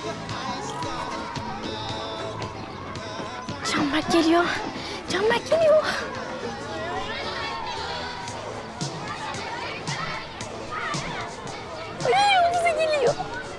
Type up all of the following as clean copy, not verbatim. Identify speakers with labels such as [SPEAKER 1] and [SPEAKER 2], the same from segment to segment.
[SPEAKER 1] Canberk geliyor. Canberk geliyor. Ay, o bize geliyor.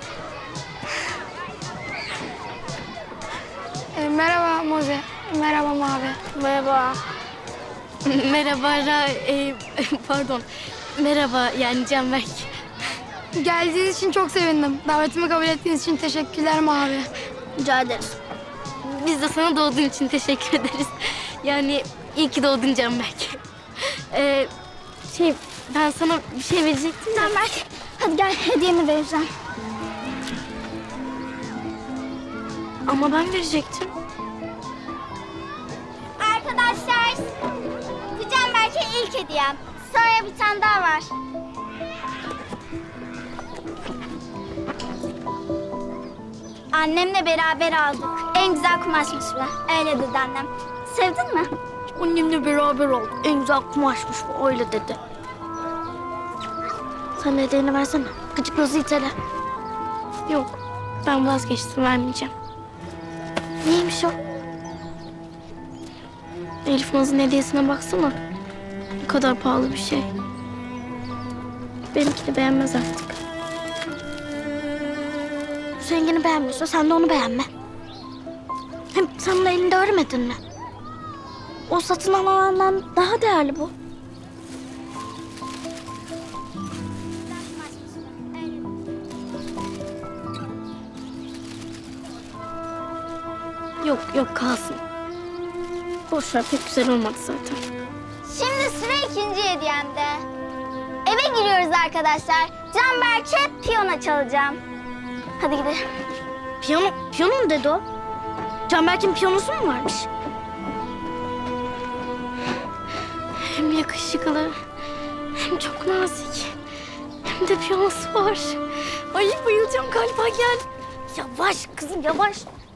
[SPEAKER 2] Merhaba Moze. Merhaba Mavi.
[SPEAKER 1] Merhaba. Merhaba pardon. Merhaba yani Canberk.
[SPEAKER 2] Geldiğiniz için çok sevindim. Davetimi kabul ettiğiniz için teşekkürler Mavi.
[SPEAKER 1] Rica ederiz. Biz de sana doğduğun için teşekkür ederiz. Yani iyi ki doğdun Canberk. Ben sana bir şey verecektim. Canberk, hadi gel hediyemi vereceğim. Ama ben verecektim.
[SPEAKER 3] Arkadaşlar, bu Canberk'e ilk hediyem. Sonra bir tane daha var. Annemle beraber aldık. En güzel kumaşmış bu. Öyle dedi annem. Sevdin mi?
[SPEAKER 1] Annemle beraber olduk. En güzel kumaşmış bu. Öyle dedi. Sen de hediyeni versene. Gıcık gözü itele. Yok. Ben vazgeçtim. Vermeyeceğim. Neymiş o? Elif Naz'ın hediyesine baksana. Ne kadar pahalı bir şey. Benimkini beğenmez artık. Seninkini beğenmiyorsa sen de onu beğenme. Hem sen bunu elinde örmedin mi? O satın alandan daha değerli bu. Yok kalsın. Boş ver, pek güzel olmadı zaten.
[SPEAKER 3] Şimdi sıra ikinci hediyemde. Eve giriyoruz arkadaşlar. Canberk'e piyano çalacağım. Hadi gidelim.
[SPEAKER 1] Piyano mu dedi o? Canberk'in piyanosu mu varmış? Hem yakışıklı, hem çok nazik, hem de piyanosu var. Ay bayılacağım galiba, gel. Yavaş kızım, yavaş.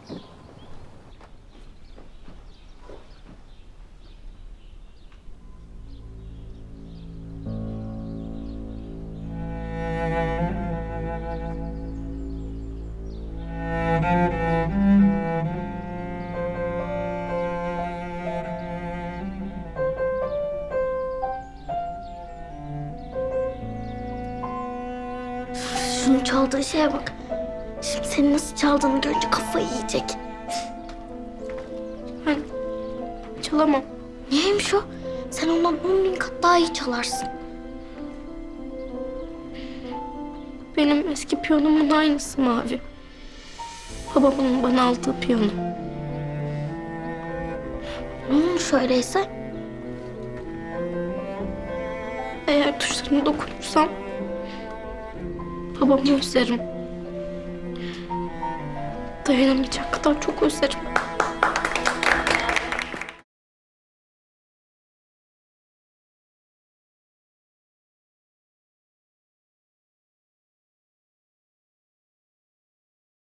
[SPEAKER 1] Şunun çaldığı şeye bak. Şimdi senin nasıl çaldığını görünce kafayı yiyecek. Ben çalamam. Niyeymiş o? Sen ondan 10.000 kat daha iyi çalarsın. Benim eski piyanomun aynısı Mavi. Babamın bana aldığı piyano. Ne olmuş öyleyse? Eğer tuşlarına dokunursam babamı özlerim. Dayanamayacak kadar çok özlerim.